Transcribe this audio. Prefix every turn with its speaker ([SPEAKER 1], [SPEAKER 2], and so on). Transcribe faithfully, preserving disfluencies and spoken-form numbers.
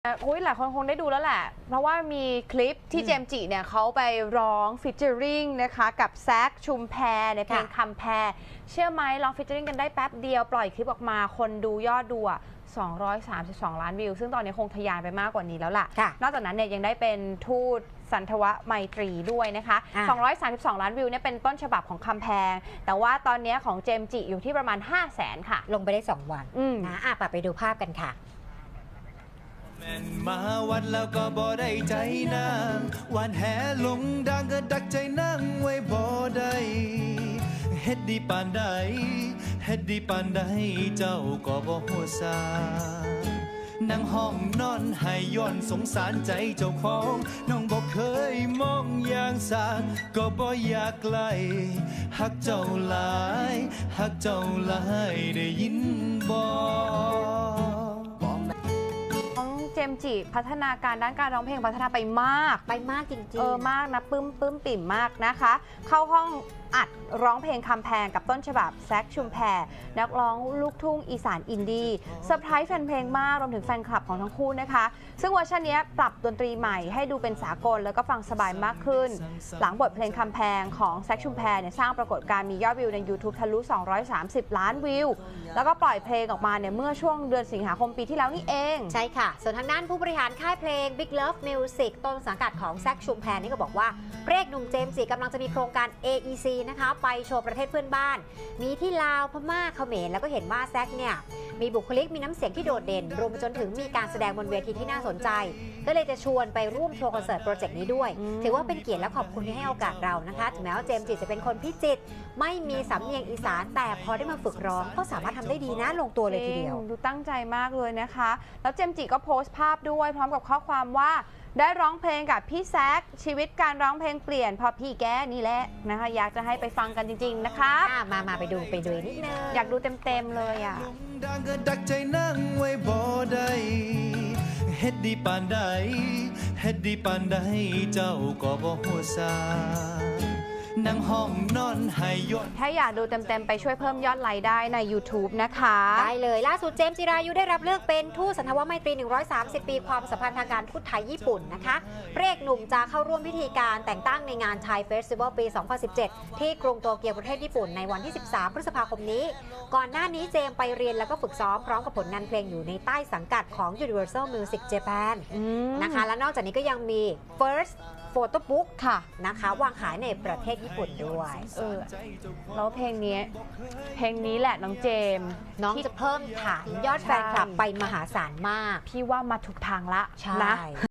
[SPEAKER 1] อุ้ยหลายคนคงได้ดูแล้วแหละเพราะว่ามีคลิปที่เจมส์จิเนี่ยเขาไปร้องฟิชเจอริงนะคะกับแซคชุมแพในเพลงคำแพรเชื่อไหมร้องฟิชเจอริงกันได้แป๊บเดียวปล่อยคลิปออกมาคนดูยอดดูอ่ะสองร้อยสามสิบสองล้านวิวซึ่งตอนนี้คงทะยานไปมากกว่านี้แล้วล่ะนอกจากนั้นเนี่ยยังได้เป็นทูตสันทวไมตรีด้วยนะคะสองร้อยสามสิบสองล้านวิวเนี่ยเป็นต้นฉบับของคำแพงแต่ว่าตอนนี้ของเจมส์จิอยู่ที่ประมาณ ห้าแสน ค่ะ
[SPEAKER 2] ลงไปได้สองวันนะอ่ะไปดูภาพกันค่ะ
[SPEAKER 3] แม่นมาวัดแล้วก็บ่ได้ใจนางวันแห่ลงดังก็ดักใจนั่งไว้บ่ได้เฮ็ดดีปานใดเฮ็ดดีปานใดเจ้าก็บ่ฮู้ซานั่งห้องนอนให้ย้อนสงสารใจเจ้าของน้องบ่เคยมองอย่างสาก็บ่อยากไกลฮักเจ้าหลายฮักเจ้าหลายได้ยินบ่
[SPEAKER 1] เจมส์จิพัฒนาการด้านการร้องเพลงพัฒนาไปมาก
[SPEAKER 2] ไปมากจริงๆ
[SPEAKER 1] เออมากนะปึ้มปึ้มปิ่มมากนะคะเข้าห้องอัดร้องเพลงคำแพงกับต้นฉบับแซคชุมแพนักร้องลูกทุ่งอีสานอินดี้เซอร์ไพรส์แฟนเพลงมากรวมถึงแฟนคลับของทั้งคู่นะคะซึ่งเวอร์ชันนี้ปรับดนตรีใหม่ให้ดูเป็นสากลแล้วก็ฟังสบายมากขึ้นหลังบทเพลงคำแพงของแซคชุมแพเนี่ยสร้างปรากฏการณ์มียอดวิวใน YouTube ทะลุสองร้อยสามสิบล้านวิวแล้วก็ปล่อยเพลงออกมาเนี่ยเมื่อช่วงเดือนสิงหาคมปีที่แล้วนี่เอง
[SPEAKER 2] ใช่ค่ะส่วนทางด้านผู้บริหารค่ายเพลง Big Love Music ต้นสังกัดของแซคชุมแพนี่ก็บอกว่าพระเอกหนุ่มเจมส์จิกำลังจะมีโครงการ เอ อี ซี นะคะไปโชว์ประเทศเพื่อนบ้านมีที่ลาวพม่าเขมรแล้วก็เห็นว่าแซคเนี่ยมีบุคลิกมีน้ำเสียงที่โดดเด่นรวมไปจนถึงมีการแสดงบนเวทีที่น่าสนใจก็เลยจะชวนไปร่วมโชว์คอนเสิร์ตโปรเจกต์นี้ด้วยถือว่าเป็นเกียรติและขอบคุณที่ให้โอกาสเรานะคะถึงแม้ว่าเจมส์จิจะเป็นคนพิจิตรไม่มีสำเนียงอีสานแต่พอได้มาฝึกร้องก็สามารถทำได้ดีนะลงตัวเลยทีเดียว
[SPEAKER 1] ดูตั้งใจมากเลยนะคะแล้วเจมส์จิก็โพสต์ภาพด้วยพร้อมกับข้อความว่าได้ร้องเพลงกับพี่แซคชีวิตการร้องเพลงเปลี่ยนพอพี่แกนี่แหละนะคะอยากจะให้ไปฟังกันจริงๆนะคะ
[SPEAKER 2] มามาไปดูไปดูนิดนึง
[SPEAKER 1] อยากดูเต็มๆเลยอ่ะ
[SPEAKER 3] ดังก็ดักใจนั่งไว้บ่ได้เฮ็ดดีปานใดเฮ็ดดีปานใดเจ้าก็บ่ฮู้ซานั่งห้องนอนให้ย้อน
[SPEAKER 1] ถ้าอยากดูเต็มๆไปช่วยเพิ่มยอดไลค์ได้ใน YouTube นะคะ
[SPEAKER 2] ได้เลยล่าสุดเจมส์จิรายุได้รับเลือกเป็นทูตสันทวไมตรีหนึ่งร้อยสามสิบปีความสัมพันธ์ทางการทูตไทยญี่ปุ่นนะคะพระเอกหนุ่มจะเข้าร่วมพิธีการแต่งตั้งในงานไทยเฟสติวัลปี สองพันสิบเจ็ด ที่กรุงโตเกียวประเทศญี่ปุ่นในวันที่ สิบสาม พฤษภาคมนี้ก่อนหน้านี้เจมส์ไปเรียนแล้วก็ฝึกซ้อมพร้อมกับผลงานเพลงอยู่ในใต้สังกัดของ Universal Music Japan นะคะและนอกจากนี้ก็ยังมี Firstโฟโต้บุ๊กค่ะนะคะวางขายในประเทศญี่ปุ่นด้วย
[SPEAKER 1] เออแล้วเพลงนี้เพลงนี้แหละน้องเจม
[SPEAKER 2] น้องจะเพิ่มฐานยอดแฟนคลับไปมหาศาลมาก
[SPEAKER 1] พี่ว่ามาถูกทางละ
[SPEAKER 2] ใช่
[SPEAKER 1] นะ